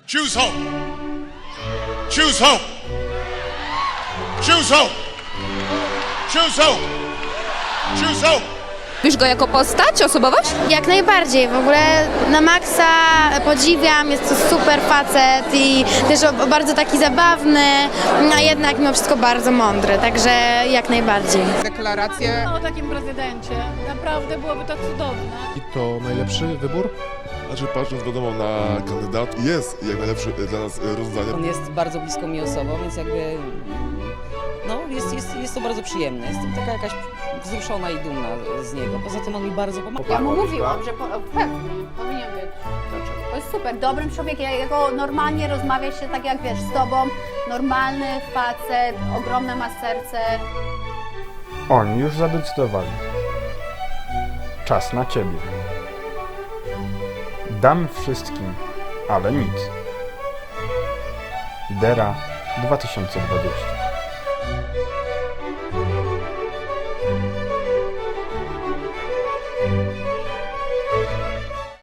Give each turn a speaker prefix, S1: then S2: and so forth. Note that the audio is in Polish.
S1: Choose hope. Choose hope. Choose hope. Choose hope. Choose hope.
S2: Lubisz go jako postać, osobowość?
S3: Jak najbardziej, w ogóle na maksa podziwiam, jest to super facet i też bardzo taki zabawny, a jednak mimo wszystko bardzo mądry, także jak najbardziej.
S4: Deklarację.
S5: O takim prezydencie. Naprawdę byłoby to cudowne.
S6: I to najlepszy wybór?
S7: Znaczy, patrząc wiadomo na kandydat, jest jak najlepszy dla nas rozwiązanie.
S8: On jest bardzo blisko mi osobą, więc jakby no, jest to bardzo przyjemne. Jestem taka jakaś wzruszona i dumna z niego. Poza tym on mi bardzo pomagał.
S9: Ja mu mówiłam, że pewnie powinien być. To jest super, dobrym człowiekiem. Jego normalnie rozmawia się tak jak wiesz, z tobą. Normalny facet, ogromne ma serce.
S10: Oni już zadecydowali. Czas na ciebie. Dam wszystkim, ale nic. Dera 2020